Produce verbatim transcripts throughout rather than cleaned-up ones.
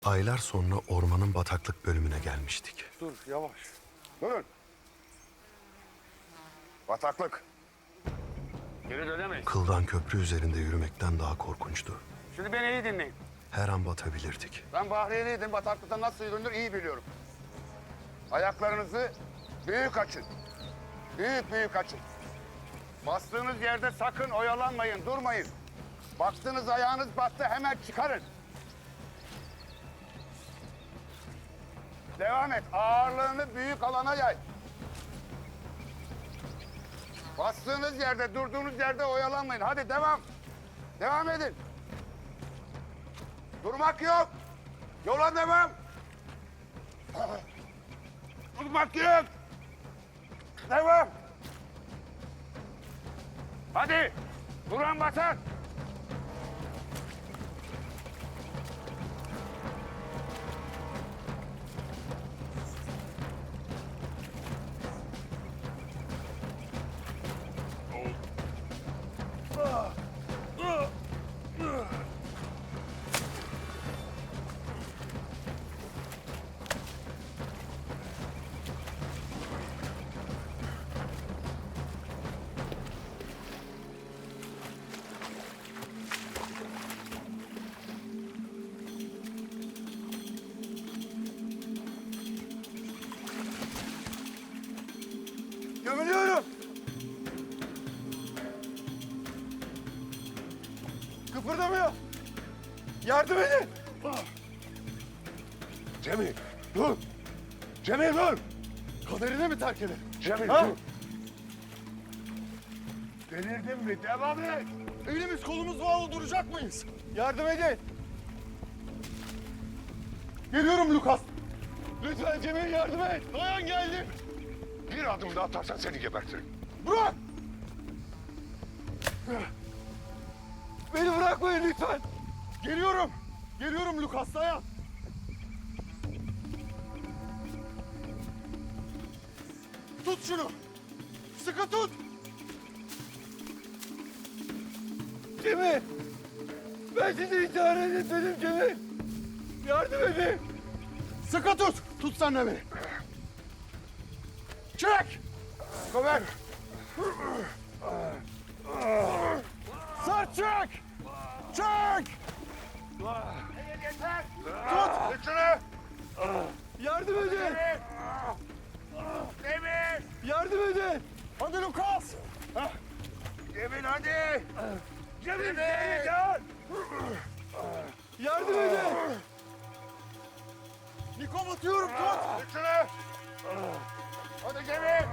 Aylar sonra ormanın bataklık bölümüne gelmiştik. Dur yavaş. Durun. Bataklık. Geri dönemeyiz. Kıldan köprü üzerinde yürümekten daha korkunçtu. Şimdi beni iyi dinleyin. Her an batabilirdik. Ben Bahriyeliydim. Bataklıkta nasıl yürünür iyi biliyorum. Ayaklarınızı büyük açın. Büyük büyük açın. Bastığınız yerde sakın oyalanmayın, durmayın. Baktınız ayağınız battı hemen çıkarın. Devam et. Ağırlığını büyük alana yay. Bastığınız yerde, durduğunuz yerde oyalanmayın. Hadi devam. Devam edin. Durmak yok. Yola devam. Durmak yok. Devam. Hadi. Duran basar. Gömülüyorum. Kıpırdamıyor. Yardım edin. Cemil, dur! Cemil, dur! Kaderine mi terk eder? Cemil, Ha? dur! Delirdin mi? Devam et! Elimiz kolumuz bağlı duracak mıyız? Yardım edin. Geliyorum Lukas. Lütfen Cemil yardım et. Dayan geldim. Bir adım daha atarsan seni gebertirim. Bırak. Beni bırakmayın lütfen. Geliyorum. Geliyorum Lukas, dayan. Tut şunu. Sıkı tut. Cemil. Ben sizi intihar etmedim Cemil. Yardım edin. Sıkı tut. Tut sen de beni. Çek. Kover. Sar çek. Çek. Yeter. Tut. Tut şunu. Yardım edin. Demir. Yardım edin. Hadi Lukas. Cemil hadi. Cemil. Cemil gel. Yardım edin. Niko batıyorum tut. Tut şunu. Hadi Cemil.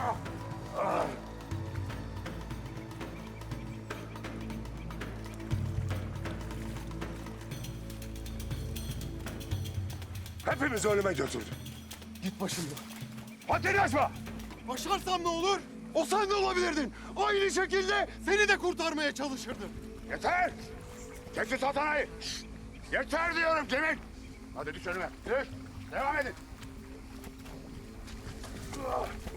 Hepimizi ölüme götürdü. Git başımdan. Haddini aşma! Başarsam ne olur? O sen de olabilirdin. Aynı şekilde seni de kurtarmaya çalışırdım. Yeter! Çekil satanayı! Yeter diyorum Cemil! Hadi düş önüme, düş! Devam edin!